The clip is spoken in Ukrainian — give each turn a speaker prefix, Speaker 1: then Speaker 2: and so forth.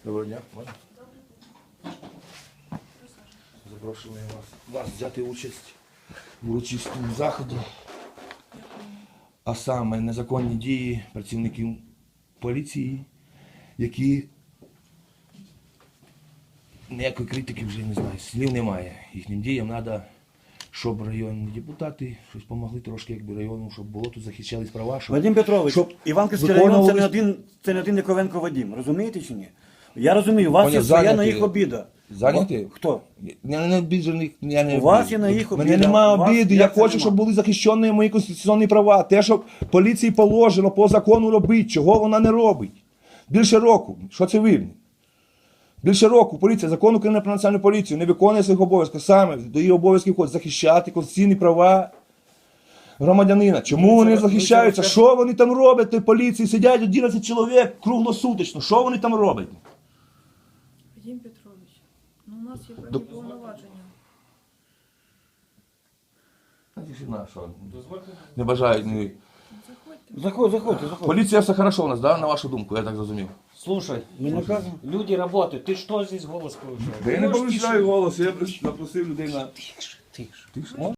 Speaker 1: Доброго дня. Запрошуємо вас взяти участь в урочистому заході, а саме незаконні дії працівників поліції, які ніякої критики вже не знаю, слів немає. Їхнім діям треба, щоб районні депутати щось допомогли трошки, якби району, щоб було тут захищались права. Щоб...
Speaker 2: Вадим Петрович,
Speaker 1: щоб
Speaker 2: Іванківський район це не один Яковенко Вадим, розумієте чи ні? Я розумію, у вас є своя на їх обіда.
Speaker 1: Зайняті?
Speaker 2: Хто?
Speaker 1: Я не обіджений, я не
Speaker 2: У вас є на їх обіда.
Speaker 1: Мене немає
Speaker 2: У вас
Speaker 1: обіди,
Speaker 2: як
Speaker 1: я
Speaker 2: це
Speaker 1: хочу,
Speaker 2: нема?
Speaker 1: щоб були захищені мої конституційні права. Те, що поліції положено по закону робити, чого вона не робить. Більше року, що це видно? Більше року поліція, закон України про національну поліцію не виконує своїх обов'язків. Саме до її обов'язків входить захищати конституційні права громадянина. Чому вони захищаються? Що вони там роблять в той поліції? Сидять 11 чоловік круглосуточно. Що вони там роблять?
Speaker 3: Вадим Петрович, ну у нас є певні повноваження.
Speaker 1: Не бажають. Ні.
Speaker 2: Заходьте.
Speaker 1: Поліція все хорошо у нас, да? На вашу думку, я так зрозумів.
Speaker 4: Слушай,
Speaker 2: Ми не кажемо.
Speaker 4: люди работают, ты что здесь голос повышаешь?
Speaker 1: Я не повищаю голос, я запросив людей на...
Speaker 4: Тише.
Speaker 1: Тише.